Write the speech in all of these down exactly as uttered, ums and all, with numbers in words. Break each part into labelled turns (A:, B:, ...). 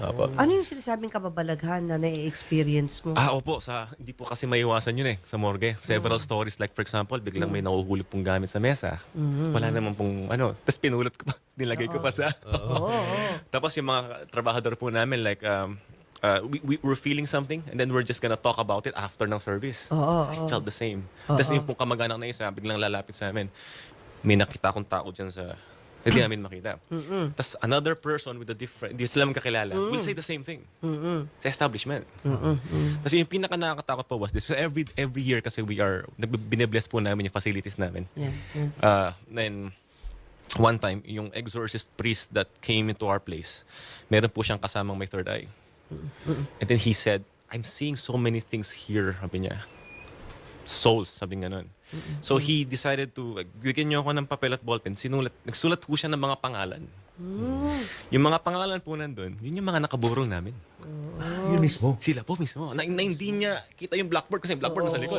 A: Opo.
B: Ano yung sinasabing kababalaghan na na-experience mo?
A: Ah, opo. Sa, hindi po kasi maiwasan yun eh, sa morgue. Several stories like for example, biglang may nahuhulog pong gamit sa mesa. Wala naman pong ano. Tapos pinulot ko pa, nilagay ko pa sa...
B: Oo.
A: Tapos yung mga trabahador po namin like, um, uh, we, we were feeling something and then we're just gonna talk about it after ng service.
B: Oo,
A: I
B: oo.
A: felt the same. Tapos yung pong kamag-anak na isa, biglang lalapit sa amin. May nakita akong tao dyan sa... Hindi namin makita. Tapos another person with a different... Hindi sila magkakilala. Will say the same thing. Sa establishment. Tapos yung pinaka nakakatakot po was this. So every every year kasi we are... Binibless po namin yung facilities namin.
B: Yeah, yeah.
A: Uh, then, one time, yung exorcist priest that came into our place, meron po siyang kasamang may third eye. And then he said, I'm seeing so many things here, sabi niya. Souls, sabi nga nun. So he decided to, bigyan niyo ako ng papel at ballpen. Sinulat, nagsulat po siya ng mga pangalan. Yung mga pangalan po nandun, yun yung mga nakaburong namin.
C: Yun mismo.
A: Sila po mismo. Na, na hindi niya kita yung blackboard kasi yung blackboard nasa likod.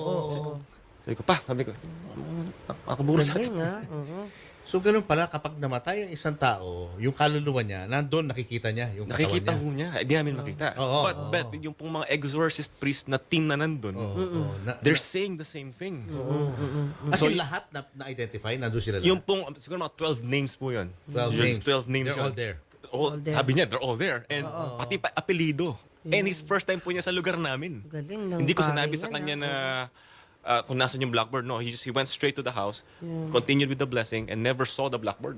A: Sabi ko, pa, sabi ko, nakaburo sa
B: Galing,
A: atin.
B: ha? Oo.
C: So, ganun pala, kapag namatay ang isang tao, yung kaluluwa niya, nandun, nakikita niya yung katawan
A: Nakikita
C: niya.
A: ho niya. Hindi namin makita.
C: Oo,
A: but,
C: oo,
A: but yung pong mga exorcist priest na team na nandun,
C: Oo, oo. Na-
A: they're
C: na-
A: saying the same thing.
C: As
A: So,
C: in, lahat na, na-identify, nandun sila lahat.
A: yung pong, siguro mga twelve names po yun.
C: twelve
A: Siguro
C: names.
A: twelve names
C: They're all
A: yun.
C: there.
A: All,
B: All there.
A: Sabi niya, they're all there. And pati pa apelido. And his first time po niya sa lugar namin.
B: Galing ng
A: Hindi ko
B: pare
A: sinabi sa
B: yan,
A: kanya
B: ha?
A: na uh, kung nasan yung blackboard. No, he just he went straight to the house, continued with the blessing, and never saw the blackboard.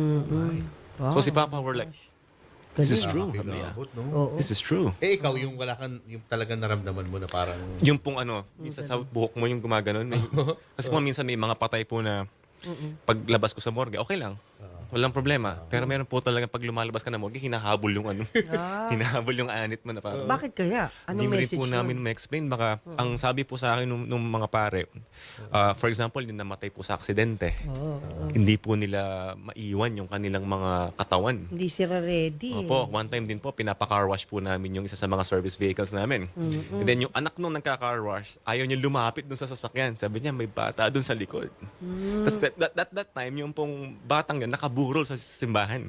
B: Wow.
A: So si Papa were like, this is true. Sabi niya.
C: Nakakilabot, no?
B: Oo.
A: This is true.
C: Eh, ikaw, yung wala kang, yung talagang naramdaman mo na parang...
A: Yung pong ano, minsan sa buhok mo yung gumaganon. May, kasi po minsan may mga patay po na paglabas ko sa morgue, okay lang. Walang problema. Pero meron po talaga pag lumalabas ka na morgue, hinahabol yung ano.
B: Ah.
A: hinahabol yung anit mo na parang.
B: Bakit kaya?
A: Hindi
B: Anong
A: rin
B: message
A: po
B: yun?
A: namin ma-explain. Baka, ang sabi po sa akin nung, nung mga pare, uh, for example, yung namatay po sa aksidente, hindi po nila maiwan yung kanilang mga katawan.
B: Hindi sila ready.
A: Opo, one time din po, pinapa-car wash po namin yung isa sa mga service vehicles namin. And then yung anak nung nagka-car wash, ayaw niya lumapit dun sa sasakyan. Sabi niya, may bata dun sa likod. Tapos that, that, that, that time, yung pong batang yan, nakaburol sa simbahan.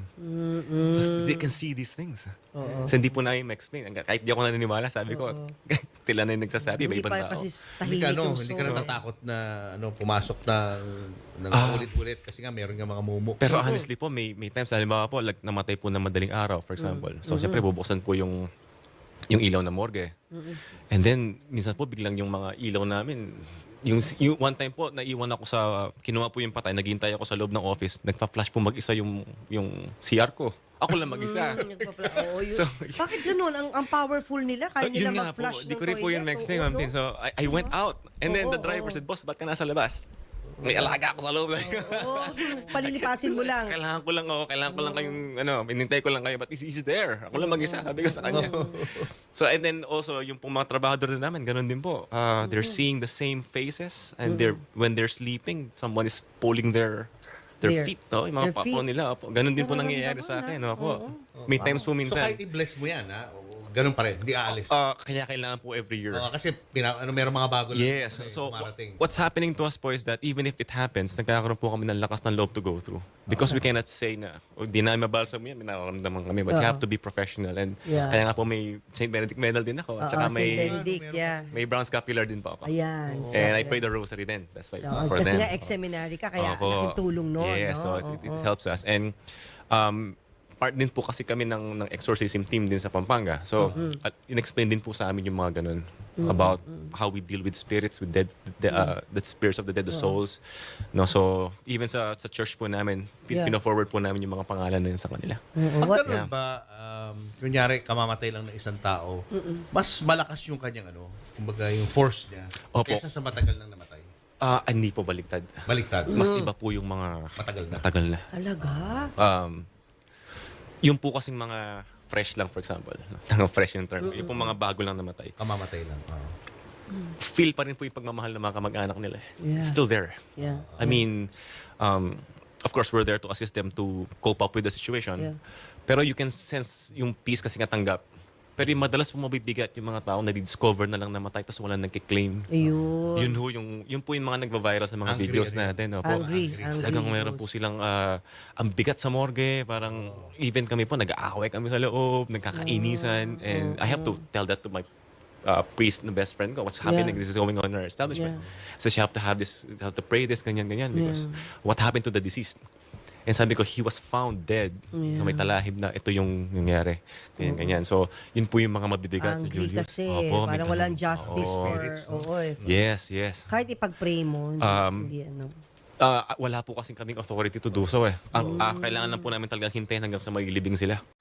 A: So they can see these things. So hindi po namin ma-explain. Kahit di ako naniniwala, sabi ko, sila na yung nagsasabi,
B: Hindi
A: may ibang
B: pa
A: tao.
B: kasi
C: Hindi
B: tahimik
C: ka, ano,
B: yung
C: hindi ka
B: soul.
C: natatakot na ano, pumasok na ng
A: Ah.
C: ulit-ulit kasi nga meron nga mga mumu.
A: Pero honestly po, may may times, halimbawa po, like, namatay po na madaling araw, for example. So, siyempre, bubuksan po yung yung ilaw na morgue. And then, minsan po, biglang yung mga ilaw namin, yung, yung one time po, naiwan ako sa, kinuha po yung patay, naghihintay ako sa loob ng office, nagpa-flash po mag-isa yung, yung C R ko. Ako lang mag-isa.
B: Mm, nagpapla- Oo, yun.
A: So,
B: Bakit ganun? Ang, ang powerful nila, kaya
A: yun
B: nila
A: nga po,
B: mag-flush
A: di
B: ng
A: ko rin po yung
B: toilet.
A: next
B: Oo,
A: thing, ma'am
B: no?
A: Tin. So, I, I went out. And then
B: Oo,
A: the driver
B: oo.
A: said, boss, ba't ka nasa labas? May alaga ako sa loob.
B: Oo, palilipasin mo lang.
A: Kailangan ko lang ako, kailangan ko lang kayong, ano, inintay ko lang kayo, but he's, he's there. Ako lang mag-isa, sabi ko sa kanya. So, and then also, yung pong mga trabahador na namin, ganun din po. Uh, they're seeing the same faces, and they're, when they're sleeping, someone is pulling their their
B: Their-
A: feet, no? Yung mga
B: their
A: papo
B: feet.
A: nila. Opo. Ganun din po
B: Nararamdaman
A: nangyayari sa akin,
B: na.
A: no? Opo.
B: Oo.
A: May times po
C: So
A: minsan.
C: kahit i-bless mo yan, ha? Ganun pa rin, hindi aalis.
A: Uh, kaya kailangan po every year.
C: Oo, kasi pina, ano, meron mga bago lang
A: Yes.
C: ano, eh,
A: So,
C: dumarating.
A: what's happening to us po is that even if it happens, nagkakaroon po kami ng lakas ng loob to go through. Because we cannot say na, o di na mabalsa mo yan, may nararamdaman kami. But you
B: Oo.
A: have to be professional. And
B: Yeah.
A: kaya nga po may Saint Benedict medal din ako. At
B: Oo,
A: saka
B: Saint
A: may,
B: Benedict, yeah.
A: may bronze scapular din po ako.
B: Ayan.
A: And I pray the rosary din. That's why
B: So,
A: for
B: kasi
A: them.
B: nga ex-seminary ka, kaya
A: Opo.
B: laking tulong noon.
A: Yes,
B: no?
A: so it, it
B: Oo.
A: helps us. And um, part din po kasi kami ng, ng exorcism team din sa Pampanga. So, at in-explain din po sa amin yung mga ganun about how we deal with spirits, with dead, the, uh, the spirits of the dead, the souls. No, so, even sa sa church po namin, pin-
B: Yeah.
A: pina-forward po namin yung mga pangalan na yun sa kanila.
B: Oo,
C: Pag
B: what-
C: ganun
A: Yeah.
C: ba, um, kunyari, kamamatay lang ng isang tao, mas malakas yung kanyang ano, kumbaga yung force niya,
A: Opo.
C: kaysa sa matagal nang namatay.
A: Ah, hindi po baliktad.
C: Baliktad.
A: Mas iba po yung mga
C: Matagal na.
A: matagal na.
B: Talaga?
A: Um, yung po kasing mga fresh lang, for example. Tangang fresh yung term. Yung po mga bago lang namatay.
C: Kamamatay lang. Oo.
A: Feel pa rin po yung pagmamahal ng mga kamag-anak nila.
B: Yeah.
A: It's still there.
B: Yeah.
A: I mean, um, of course, we're there to assist them to cope up with the situation.
B: Yeah.
A: Pero you can sense yung peace kasi nga tanggap. Pero yung madalas po mabibigat yung mga tao na discover na lang namatay tapos wala nagkiklaim.
B: Ayun.
A: Yun ho, yung, yun po yung mga nagva-viral sa mga
C: Angry,
A: videos
C: ano yun?
A: natin. Opo.
B: Angry. Angry.
A: Talagang meron po silang ah, ang bigat sa morgue. Parang even kami po, nag-aaway kami sa loob, nagkakainisan. And I have to tell that to my uh, priest na best friend ko. What's happening?
B: Yeah.
A: This is going on in our establishment.
B: Yeah.
A: So you have to have this, you have to pray this, ganyan, ganyan. Because what happened to the deceased? And sabi ko, he was found dead. So may talahib na ito yung nangyari. Ganyan, ganyan. So, yun po yung mga mabibigat.
B: Angry
A: Julius.
B: kasi.
A: Opo, may
B: parang
A: ganun.
B: walang justice
A: Oo.
B: for... Oo, eh.
A: Yes, yes.
B: Kahit ipag-pray mo, hindi,
A: Um,
B: hindi ano.
A: Ah, wala po kasing kaming authority to do so eh. Ang, ah, kailangan lang po namin talagang hintayin hanggang sa mailibing sila.